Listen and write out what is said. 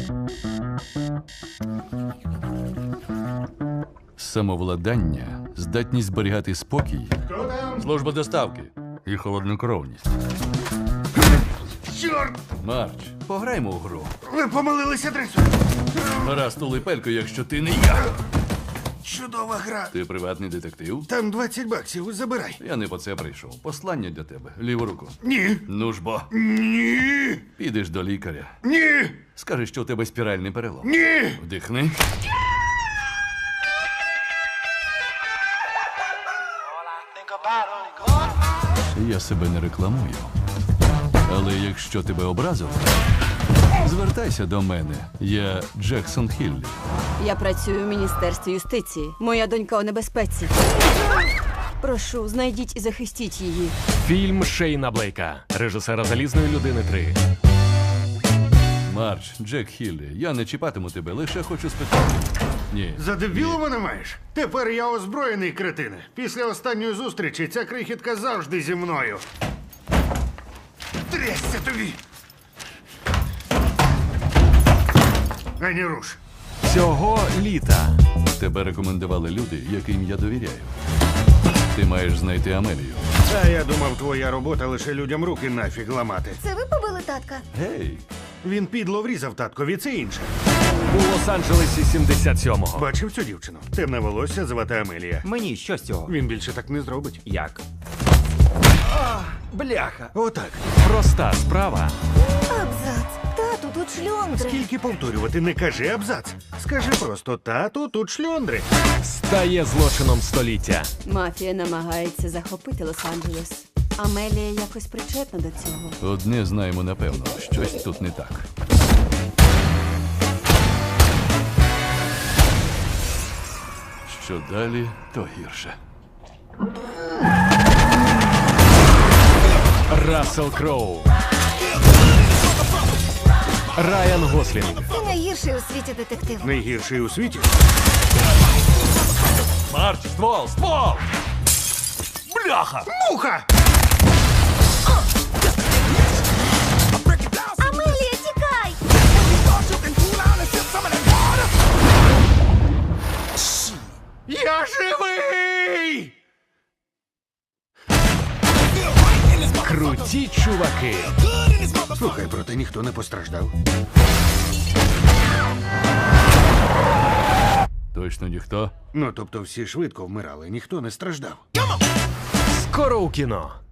Самовладання, здатність зберігати спокій, Хто там? служба доставки і холоднокровність. Чорт! Марч, пограймо у гру. Ви помилилися адресою. Гаразд, улипелько, якщо ти не я. Чудова гра. Ти приватний детектив? Там 20 баксів, забирай. Я не по це прийшов. Послання для тебе. Ліву руку. Ні. Ну ж бо. Ні. Підеш до лікаря. Ні. Скажи, що у тебе спіральний перелом. Ні. Вдихни. Я себе не рекламую. Але якщо тебе образив, звертайся до мене. Я Джексон Хіллі. Я працюю в Міністерстві юстиції. Моя донька у небезпеці. Прошу, знайдіть і захистіть її. Фільм Шейна Блейка, режисера «Залізної людини 3». Марч, Джек Хіллі, я не чіпатиму тебе, лише хочу спитати. Ні. За дебілу мене маєш? Тепер я озброєний, кретине. Після останньої зустрічі ця крихітка завжди зі мною. Трясся тобі! Ані руш. Цього літа Тебе рекомендували люди, яким я довіряю. Ти маєш знайти Амелію. А я думав, твоя робота лише людям руки нафіг ламати. Це ви побили татка? Гей! Він підло врізав таткові, це інше. у Лос-Анджелесі 77-го. Бачив цю дівчину? Темне волосся, звати Амелія. Мені що з цього? Він більше так не зробить. Як? Бляха. Отак. Проста справа Абзац. Тату, тут шльондри. Тільки повторювати, не кажи абзац. Скажи просто тату, тут шльондри. стає злочином століття. Мафія намагається захопити Лос-Анджелес. Амелія якось причетна до цього. Одне знаємо напевно, щось тут не так. Що далі, то гірше. Рассел Кроу, Райан Гослінг, Ти найгірший у світі детектив. Найгірший у світі. Марч, ствол, ствол! Бляха! Муха! Амелія, тікай! Я живий! Круті чуваки. Слухай, проте ніхто не постраждав. Точно ніхто? Ну, тобто всі швидко вмирали, ніхто не страждав. Скоро у кіно.